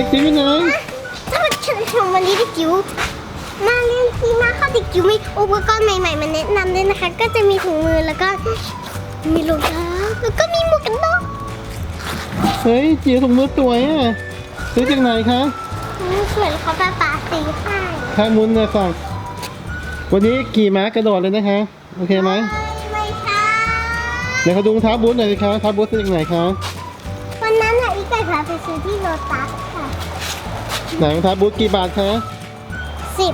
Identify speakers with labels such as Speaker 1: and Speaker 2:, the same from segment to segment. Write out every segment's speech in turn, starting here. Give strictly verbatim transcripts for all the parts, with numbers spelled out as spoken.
Speaker 1: จิ๋วอยู่ไหน
Speaker 2: ถ้ามันฉันชมวันนี้เด็กจิ๋วมาเล่นที่มาเข้าเด็กจิ๋วมีอุปกรณ์ใหม่ๆมาแนะนำด้วยนะคะก็จะมีถุงมือแล้วก็มีรองเท้าแล้วก็มีหมวกกันน็อก
Speaker 1: เฮ้ยจิ๋วถุงมือสวยอ่ะซื้อจากไหนคะ
Speaker 2: สวยเขาป้าป๋าสีให้
Speaker 1: ข้ามุนนะสั่งวันนี้ขี่ม้ากระโดดเลยนะคะโอเคไหม
Speaker 2: ไม่ใช่
Speaker 1: เดี๋ยวเขาดูรองเท้าบูทหน่อยสิคะรองเท้าบูทซื้อจากไหนคะ
Speaker 2: วันนั้นอะอีกไก่พาไปซื้อที่โลตัสค่ะ
Speaker 1: ไหนรองเท้าบูทกี่บาทคะ
Speaker 2: สิบ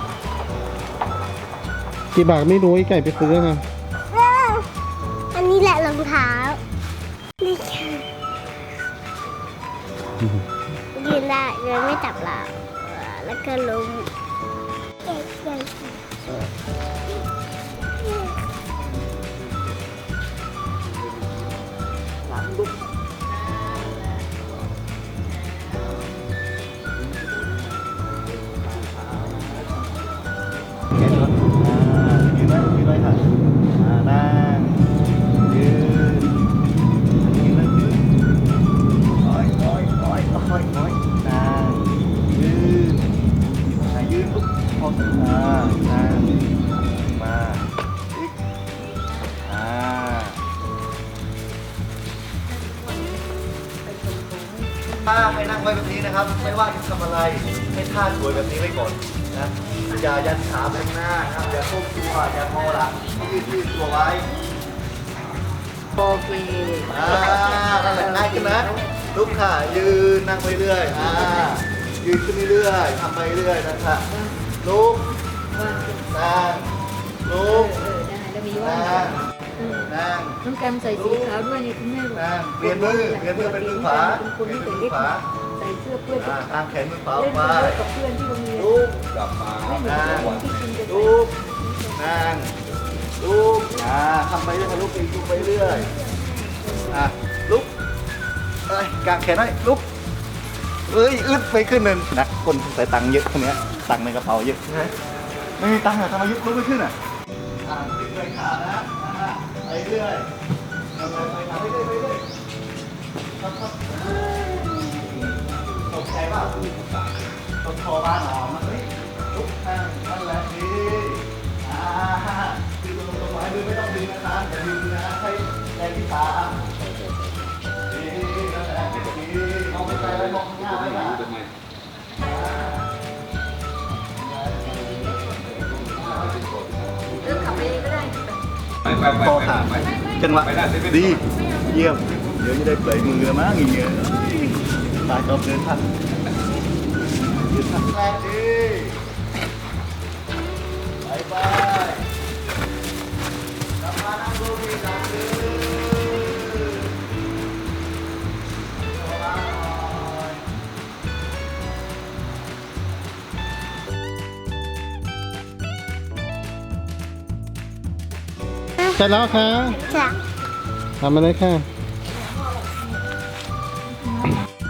Speaker 1: กี่บาทไม่รู้ไอ้ไก่ไปซื้อค่ะ
Speaker 2: อันนี้แหละรองเท้านี่ค่ะยืนได้ยืนไม่จับเราแล้วก็ล้มเอ๊ะยัง
Speaker 3: ยืนไว้ยืนไว้ค่ะนั่งยืนยืนนั่งยืนอ้อยอ้อยอ้อยอ้อยอ้อยนั่งยืนยืนปุ๊บพออ่านั่งมาอีกอ่าถ้าให้นั่งไว้แบบนี้นะครับไม่ว่าจะทำอะไรให้ท่าสวยแบบนี้ไว้ก่อนนะอย่ายันขาไปข้างหน้านะครับอย่าโค้งตัวอย่างอหลังยืดยืดตัวไว้โอเคอ่านั่นแหละง่ายขึ้นนะลุกค่ะยืนนั่งไปเรื่อยอ่ายืนขึ้นเรื่อยทำไปเรื่อยนะคะลุกนั่งลุกนั่งนั่ง
Speaker 4: น้องแกมใส่สีขาวด้วยนี่คุณแม่บอก
Speaker 3: นั่งเปลี่ยนมือเปลี่ยนมือเป็นมือขวา
Speaker 4: เป็นคน
Speaker 3: เปลี่ย
Speaker 4: ที่
Speaker 3: นเป็น
Speaker 4: ใส่
Speaker 3: มื
Speaker 4: เล็
Speaker 3: อบ ขวา
Speaker 4: ใส่เสื้อเพื่อน
Speaker 3: อ่าตามแขนมือขวา
Speaker 4: เล่น
Speaker 3: ไป
Speaker 4: กับเพื่อนที่โรงเรียน
Speaker 3: ลุก
Speaker 5: กลับมา
Speaker 4: ไม่เหมือนคนที่กินจะใส่
Speaker 3: ลุกนั่งลุกอ่าทำไปเรื่อยลุกอีกลุกไปเรื่อยอ่ะลุกเอ้ยกางแขนหน่อยลุกเอ้ยอึดไปขึ้นหนึ่งนะคนใส่ตังค์เยอะคนเนี้ยตังค์ในกระเป๋าเยอะนะไม่มีตังค์อะทำไมยุบลุกไม่ขึ้นอะอ่าขึ้นไปขานะอ่าไปเรื่อยทำไปไปขาไปเรื่อยไปเรื่อยครับครับตกใจป่ะตกคอบ้านหรอมันเฮ้ยลุกนั่งนั่นแหละดีอ่าดึงตรงตรงไว้ดึงไม่ต้องดึงนะคะอย่าดึงนะให้แรงที่ขาดีนั่นแหละดีมองไปไกลไว้มองข้างหน้าไว้ค่ะ
Speaker 4: เริ่มขับไปเองก็ได้
Speaker 5: ไปไปไป
Speaker 3: คอขาดจังหวะดีเยี่ยมเดี๋ยวจะได้เปลยมือแล้วมั้งอย่างเงี้ยตายจบเดินทันยืนทันแรกดีไปไปกลับมานั่งดูดีหลังดื้อ
Speaker 1: เสร็จแล้วค่ะ
Speaker 2: จ้ะ
Speaker 1: ทำมาเลยค่ะ